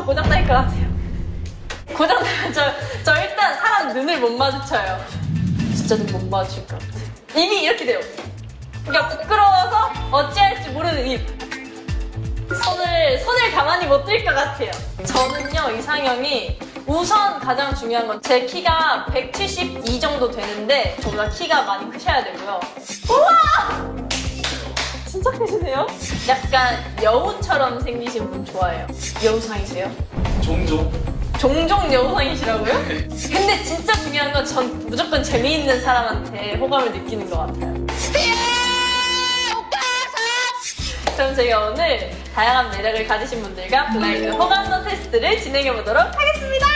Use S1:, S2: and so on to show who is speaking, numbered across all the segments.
S1: 고장날 것 같아요. 고장나면 저 일단 사람 눈을 못 마주쳐요. 진짜 눈 못 마주칠 것 같아요. 입이 이렇게 돼요. 그러니까 부끄러워서 어찌할지 모르는 입. 손을 가만히 못 들 것 같아요. 저는요, 이상형이 우선 가장 중요한 건 제 키가 172 정도 되는데 저보다 키가 많이 크셔야 되고요. 우와! 진짜 크시네요? 약간 여우처럼 생기신 분 좋아해요. 여우상이세요? 종종 여우상이시라고요? 근데 진짜 중요한 건 전 무조건 재미있는 사람한테 호감을 느끼는 것 같아요. 그럼 저희가 오늘 다양한 매력을 가지신 분들과 블라인드 호감도 테스트를 진행해보도록 하겠습니다.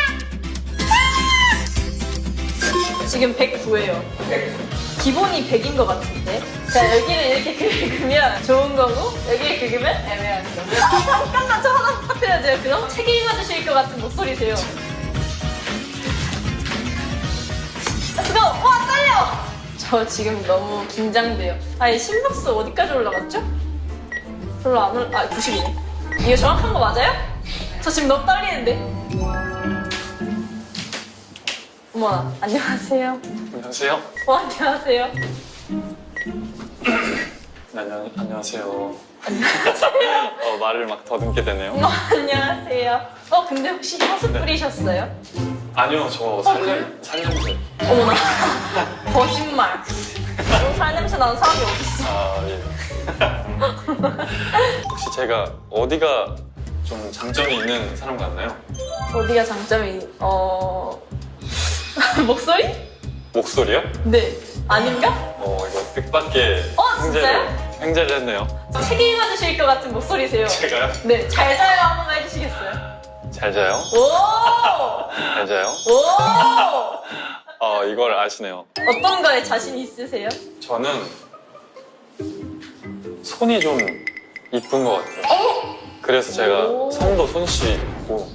S1: 지금 109예요. 기본이 100인 것 같은데. 자, 여기를 이렇게 긁으면 좋은 거고 여기를 긁으면 애매한 거고. 잠깐만, 저 하나 부탁드려야 돼요. 그럼 책 읽어주실 것 같은 목소리세요. Let's go! 와, 떨려! 저 지금 너무 긴장돼요. 아니, 심박수 어디까지 올라갔죠? 별로 안 올라... 아, 90이네. 이거 정확한 거 맞아요? 저 지금 너무 떨리는데. 어머나, 안녕하세요.
S2: 안녕하세요.
S1: 안녕하세요.
S2: 안녕하세요.
S1: 안녕하세요.
S2: 말을 막 더듬게 되네요.
S1: 안녕하세요. 근데 혹시 향수 뿌리셨어요?
S2: 아니요, 저 살냄새.
S1: 어머나. 거짓말. 살냄새 나는 사람이 어딨어.
S2: 아, 예. 혹시 제가 어디가 좀 장점이 있는 사람 같나요?
S1: 어디가 장점이, 목소리?
S2: 목소리요?
S1: 네. 아닌가?
S2: 이거 뜻밖의
S1: 진짜요?
S2: 횡재를 했네요.
S1: 책 읽어주실 것 같은 목소리세요.
S2: 제가요?
S1: 네. 잘 자요 한 번만 해주시겠어요?
S2: 잘 자요?
S1: 오!
S2: 잘 자요?
S1: 오!
S2: 이걸 아시네요.
S1: 어떤 거에 자신 있으세요?
S2: 저는 손이 좀 이쁜 것 같아요. 그래서 제가
S1: 오.
S2: 손도 손씨고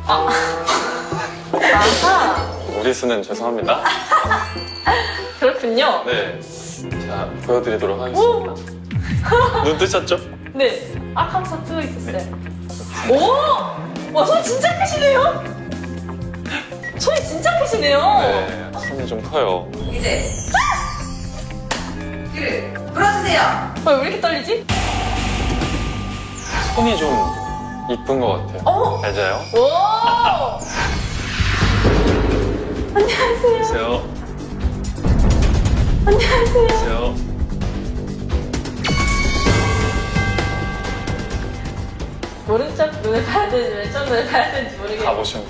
S1: 아하.
S2: 무리수는 죄송합니다.
S1: 그렇군요.
S2: 네. 자, 보여드리도록 하겠습니다. 눈 뜨셨죠?
S1: 네. 하면서 뜨고 있었어요. 오! 와, 손 진짜 크시네요? 손이 진짜 크시네요?
S2: 네, 손이 좀 커요.
S3: 이제 귀를 불어주세요.
S1: 왜 이렇게 떨리지?
S2: 손이 좀 이쁜 것 같아요. 잘 자요?
S1: 오! 안녕하세요.
S2: 안녕하세요.
S1: 안녕하세요.
S2: 안녕하세요.
S1: 오른쪽 눈을 봐야 되는지 왼쪽 눈을 봐야 되는지 모르겠어요.
S2: 가보시면.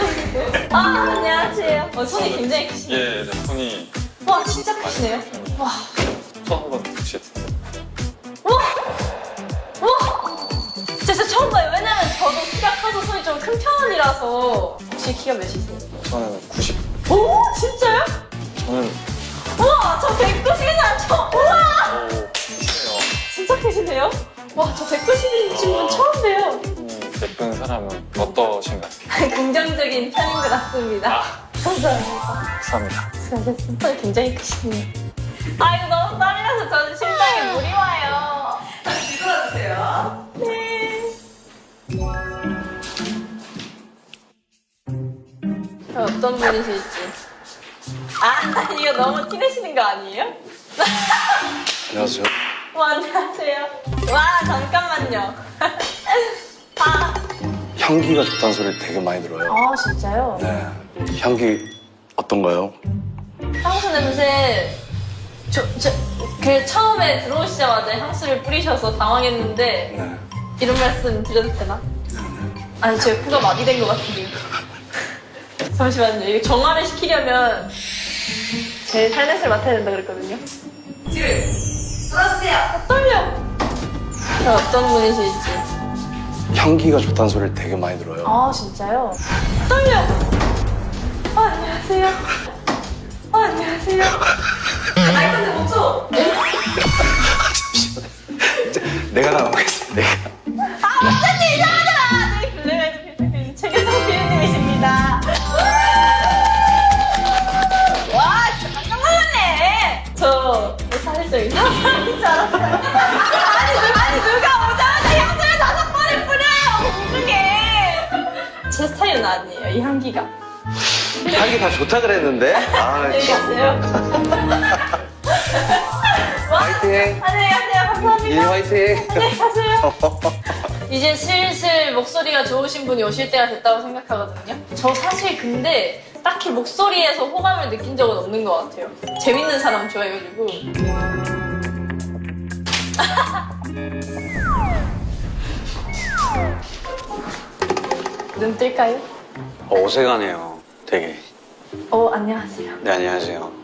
S1: 안녕하세요. 손이 굉장히 크시네요.
S2: 예, 네, 손이.
S1: 와, 진짜 크시네요. 와.
S2: 손 한번 혹시.
S1: 와! 와! 진짜 처음 봐요. 왜냐면 저도 키가 커서 손이 좀 큰 편이라서. 혹시 키가 몇이세요?
S2: 저는 90.
S1: 오! 진짜요?
S2: 저는.
S1: 우와! 저 190이나 우와!
S2: 크시네요.
S1: 진짜 크시네요? 와, 저 190인 분 처음 봬요.
S2: 예쁜 사람은 어떠신가요?
S1: 긍정적인 편인 것 같습니다. 감사합니다.
S2: 감사합니다.
S1: 수고하셨습니다. 손이 굉장히 크시네요. 아, 이거 너무 떨려서 저는 심장에 물이 와요.
S3: 다시 뒤돌아주세요.
S1: 네. 어떤 분이실지. 이거 너무 티내시는 거 아니에요?
S4: 안녕하세요.
S1: 안녕하세요. 와, 잠깐만요.
S4: 향기가 좋다는 소리를 되게 많이 들어요.
S1: 진짜요?
S4: 네. 향기 어떤가요?
S1: 향수 냄새. 그 처음에 들어오시자마자 향수를 뿌리셔서 당황했는데,
S4: 네.
S1: 이런 말씀 드려도 되나? 아니, 제가 코가 마비된 것 같은데요. 잠시만요. 이거 정화를 시키려면 제 살냄새를 맡아야 된다 그랬거든요.
S3: 귀를 불어주세요.
S1: 떨려. 어떤 분이실지.
S4: 향기가 좋다는 소리를 되게 많이 들어요.
S1: 진짜요? 떨려. 안녕하세요. 안녕하세요.
S3: 날 건데 못 쳐.
S4: 내가 나가겠습니다. 내가.
S1: 목사님 이상하잖아. 저희 블랙아이드 필수님 최계성 피디님이십니다. 와, 진짜 깜짝 놀랐네. 저 사실 좀 이상한 사람인 줄 알았어요. 아니 누가 오자마자 향수를 5번을 뿌려요. 공중에. 이 향기가.
S4: 향기 다 좋다 그랬는데. 아,
S1: 안녕히 가세요.
S4: 화이팅.
S1: 안녕히 가세요. 감사합니다.
S4: 일 화이팅.
S1: 안녕히 가세요. 이제 슬슬 목소리가 좋으신 분이 오실 때가 됐다고 생각하거든요. 저 사실 근데 딱히 목소리에서 호감을 느낀 적은 없는 것 같아요. 재밌는 사람 좋아해가지고. 눈 뜰까요?
S5: 어색하네요, 되게.
S1: 안녕하세요.
S5: 네, 안녕하세요.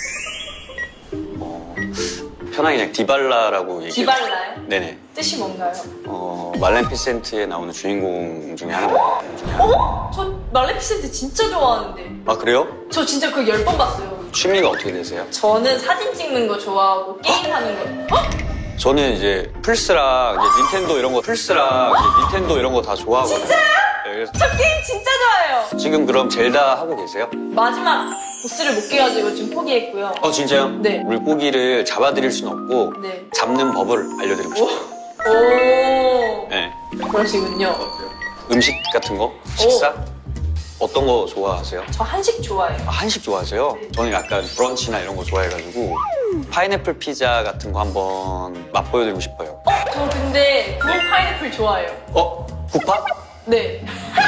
S5: 편하게 그냥 디발라라고 얘기해요.
S1: 디발라요?
S5: 네네.
S1: 뜻이 뭔가요?
S5: 말렌피센트에 나오는 주인공 중에 하나입니다.
S1: 저 말레피센트 진짜 좋아하는데.
S5: 아, 그래요?
S1: 저 진짜 그거 10번 봤어요.
S5: 취미가 어떻게 되세요?
S1: 저는 사진 찍는 거 좋아하고 게임하는 거.
S5: 저는 이제 플스랑 이제 닌텐도 이런 거, 다 좋아하거든요.
S1: 진짜요?
S5: 네, 그래서
S1: 저 게임 진짜 좋아해요.
S5: 지금 그럼 젤다 하고 계세요?
S1: 마지막 보스를 못 깨가지고 지금 포기했고요.
S5: 진짜요?
S1: 네.
S5: 물고기를 잡아드릴 순 없고
S1: 네.
S5: 잡는 법을 알려드리고 싶어요.
S1: 오,
S5: 네.
S1: 그러시군요.
S5: 음식 같은 거? 식사? 어떤 거 좋아하세요?
S1: 저 한식 좋아해요.
S5: 아, 한식 좋아하세요? 저는 약간 브런치나 이런 거 좋아해가지고 파인애플 피자 같은 거 한번 맛보여드리고 싶어요.
S1: 저 근데 구운 파인애플 좋아해요.
S5: 구파?
S1: 네.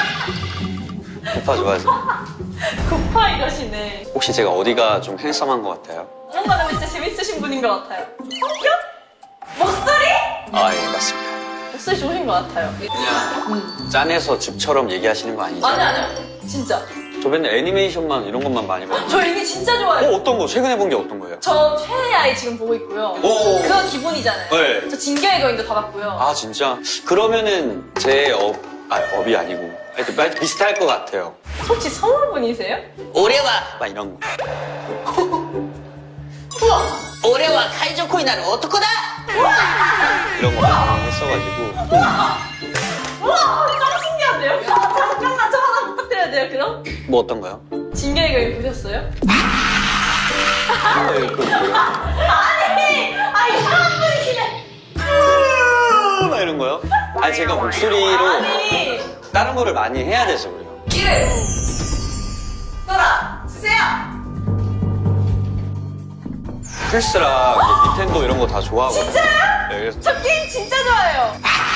S5: 구파 좋아하세요?
S1: 구파 이러시네.
S5: 혹시 제가 어디가 좀 핸섬한 것 같아요?
S1: 뭔가 근데 진짜 재밌으신 분인 것 같아요. 성격? 목소리?
S5: 아, 예, 맞습니다.
S1: 목소리 좋으신 것 같아요.
S5: 그냥 짠해서 집처럼 얘기하시는 거 아니죠?
S1: 아니요. 진짜.
S5: 저 맨날 애니메이션만 이런 것만 많이 봐요.
S1: 저 이게 진짜 좋아해요.
S5: 어떤 거? 최근에 본 게 어떤 거예요?
S1: 저 최애의 아이 지금 보고 있고요.
S5: 오.
S1: 그거 기본이잖아요.
S5: 네.
S1: 저 진격의 거인도 다 봤고요.
S5: 아, 진짜? 그러면은 제 업이 아니고 하여튼 비슷할 것 같아요.
S1: 혹시 서울분이세요?
S5: 오레와! 막 이런 거.
S1: 우와!
S3: 올해와 카이조코이나는 어떡하다?
S5: 이런 거 많이 했어가지고.
S1: 우와! 짱 신기한데요? 잠깐만 저 하나 부탁드려야 돼요 그럼?
S5: 뭐 어떤 거요?
S1: 진격의 거인 보셨어요?
S5: 그거 뭐예요?
S1: 아니 이상한 분이시네.
S5: 막 이런 거요? 아니, 제가 목소리로
S1: 아니
S5: 다른 거를 많이 해야 돼서 그래요.
S3: 길을 돌아 주세요.
S5: 플스랑 이제 닌텐도 이런 거 다 좋아하거든요.
S1: 진짜요?
S5: 네, 그래서
S1: 저 게임 진짜 좋아해요.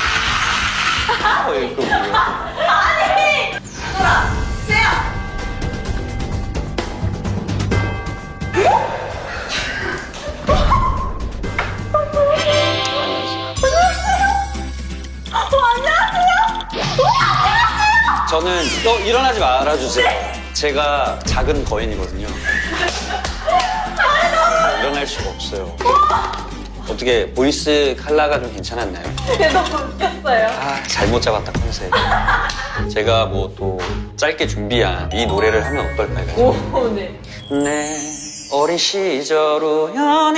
S5: 그거 뭐예요?
S1: 아니
S3: 돌아 주세요.
S5: 저는 일어나지 말아주세요. 제가 작은 거인이거든요. 일어날 수가 없어요. 어떻게 보이스 컬러가 좀 괜찮았나요?
S1: 근데 너무 웃겼어요.
S5: 아, 잘못 잡았다 컨셉. 제가 뭐 또 짧게 준비한 이 노래를 하면 어떨까요?
S1: 오 네.
S5: 내 어린 시절 우연히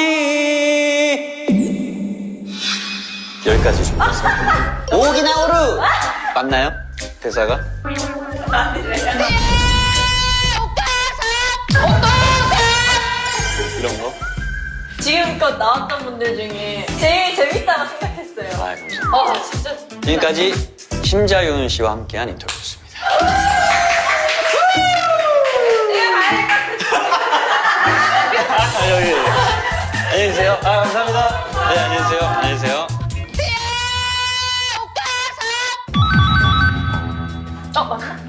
S5: 여기까지 준비했어요. 오기나오루 맞나요? 대사가? 이런 거?
S1: 지금껏 나왔던 분들 중에 제일 재밌다고 생각했어요.
S5: 아, 감사합니다.
S1: 진짜.
S5: 지금까지 심자윤 씨와 함께한 인터뷰였습니다. 여기. 안녕히 계세요. 아, 감사합니다. 네, 안녕히 계세요. 안녕히 계세요.
S1: 맞나?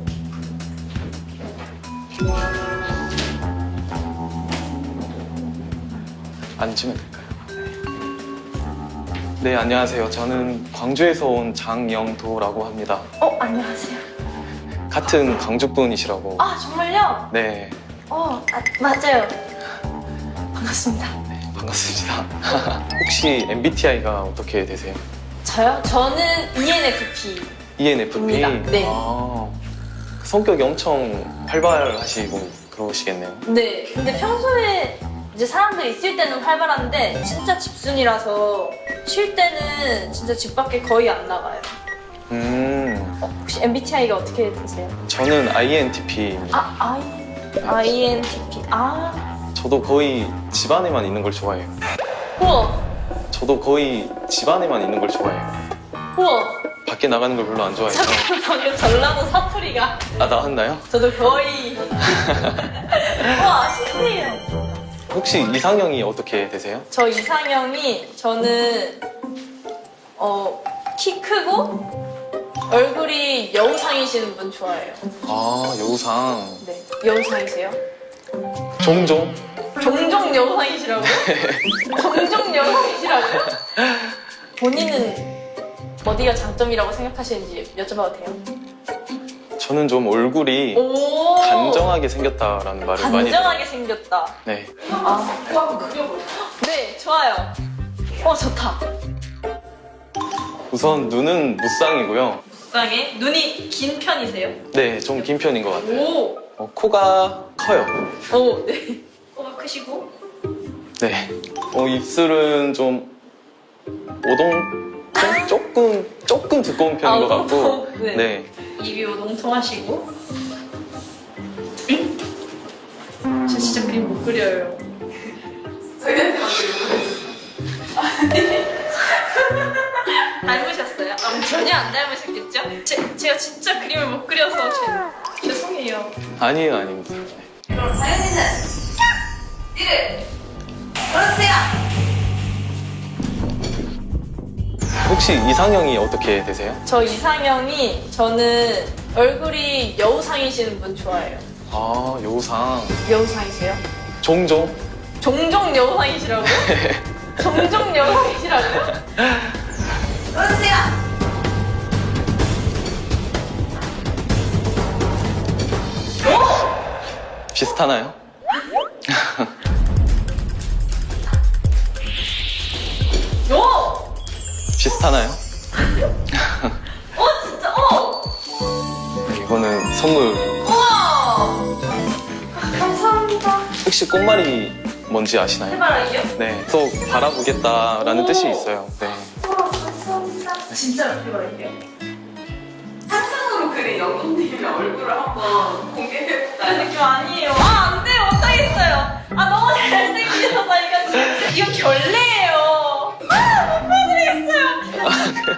S6: 앉으면 될까요? 네, 안녕하세요. 저는 광주에서 온 장영도라고 합니다.
S1: 안녕하세요.
S6: 같은 광주분이시라고.
S1: 아 정말요?
S6: 네,
S1: 맞아요. 반갑습니다.
S6: 반갑습니다. 혹시 MBTI가 어떻게 되세요?
S1: 저요? 저는 ENFP.
S6: ENFP?
S1: 입니다. 네.
S6: 성격이 엄청 활발하시고 그러시겠네요.
S1: 네. 근데 평소에 이제 사람들 있을 때는 활발한데 진짜 집순이라서 쉴 때는 진짜 집 밖에 거의 안 나가요. 혹시 MBTI가 어떻게 되세요?
S6: 저는 INTP입니다.
S1: INTP.
S6: 저도 거의 집 안에만 있는 걸 좋아해요.
S1: 우와.
S6: 저도 거의 집 안에만 있는 걸 좋아해요.
S1: 우와.
S6: 밖에 나가는 걸 별로 안 좋아해서.
S1: 방금 전라도 사투리가
S6: 아, 나왔나요?
S1: 저도 거의 와 신기해요.
S6: 혹시 이상형이 어떻게 되세요?
S1: 저 이상형이 저는 키 크고 얼굴이 여우상이시는 분 좋아해요.
S6: 아, 여우상.
S1: 네, 여우상이세요?
S6: 종종?
S1: 종종 여우상이시라고요? 종종 여우상이시라고요? 본인은 어디가 장점이라고 생각하시는지 여쭤봐도 돼요?
S6: 저는 좀 얼굴이
S1: 오
S6: 단정하게 생겼다라는 말을 많이 들어요.
S1: 단정하게 생겼다.
S6: 네.
S1: 네, 좋아요. 좋다.
S6: 우선 눈은 무쌍이고요.
S1: 무쌍에 눈이 긴 편이세요?
S6: 네, 좀 긴 편인 것 같아요.
S1: 오,
S6: 코가 커요.
S1: 네. 코가 크시고
S6: 네. 입술은 좀 조금 두꺼운 편인 것 같고.
S1: 오동통. 네.
S6: 네.
S1: 입이 오동통하시고. 저 진짜 그림 못 그려요. 저희한테만 닮으셨어요? 전혀 안 닮으셨겠죠? 제가 진짜 그림을 못 그려서 죄송해요.
S6: 아니에요, 아닙니다.
S3: 그럼 사연이는 니를 걸어주세요.
S6: 혹시 이상형이 어떻게 되세요?
S1: 저 이상형이 저는 얼굴이 여우상이시는 분 좋아해요.
S6: 아, 여우상.
S1: 여우상이세요?
S6: 종종?
S1: 종종 여우상이시라고요? 종종 여우상이시라고요?
S3: 걸어주세요.
S6: 비슷하나요?
S1: 오!
S6: 비슷하나요?
S1: 진짜,
S6: 이거는 선물.
S1: 우와! 감사합니다.
S6: 혹시 꽃말이 뭔지 아시나요?
S1: 해바라기요?
S6: 네. 또 바라보겠다라는
S1: 오.
S6: 뜻이 있어요. 네.
S1: 우와, 감사합니다. 진짜로 해바라기요?
S3: 상상으로 그린 영웅님의 얼굴을 한번 공개해볼까요?
S1: 그 느낌 아니에요. 안 돼요. 못하겠어요. 너무 잘생기셔서 이거 진짜. 이거 결례예요. 못 봐드리겠어요.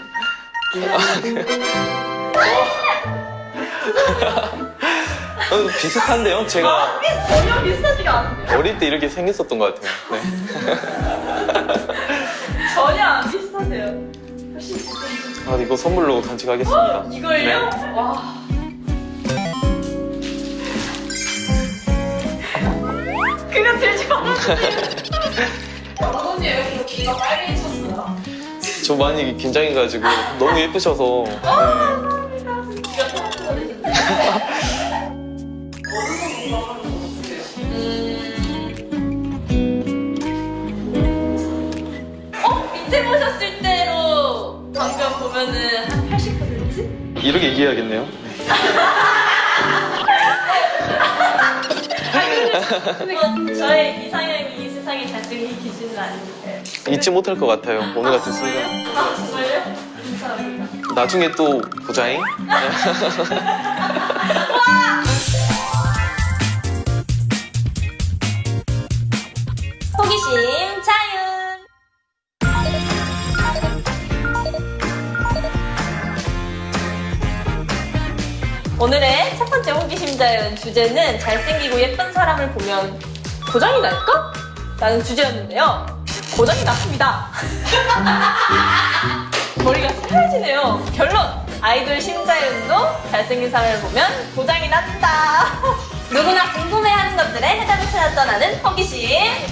S6: 비슷한데요? 제가
S1: 전혀 비슷하지가 않은데요?
S6: 어릴 때 이렇게 생겼었던 것 같아요. 네.
S1: 전혀 안 비슷하세요. 훨씬 비슷해요.
S6: 이거 선물로 간직하겠습니다.
S1: 이걸요?
S6: 네.
S1: 와. 그거 들지 말았는데. 언니 왜 이렇게 귀가 빨개지셨어요?
S6: 저 많이 긴장해가지고 너무 예쁘셔서. 네.
S1: 귀가 턱 밑에 보셨을 때로 방금 보면은 한 80%?
S6: 이렇게 얘기해야겠네요.
S1: 근데 저의 이상형이 이 세상에 잘생긴 기준은 아닙니다.
S6: 잊지 못할 것 같아요. 오늘 같은 순간.
S1: 정말요? 감사합니다.
S6: 나중에 또 보자잉.
S1: 호기심 자윤. 오늘의 첫 번째 호기심 자윤 주제는 잘생기고 예쁜 사람을 보면 고장이 날까? 라는 주제였는데요. 고장이 났습니다. 머리가 새하얘지네요. 결론! 아이돌 심자윤도 잘생긴 사람을 보면 고장이 난다. 누구나 궁금해하는 것들에 해답을 찾아 떠나는 호기심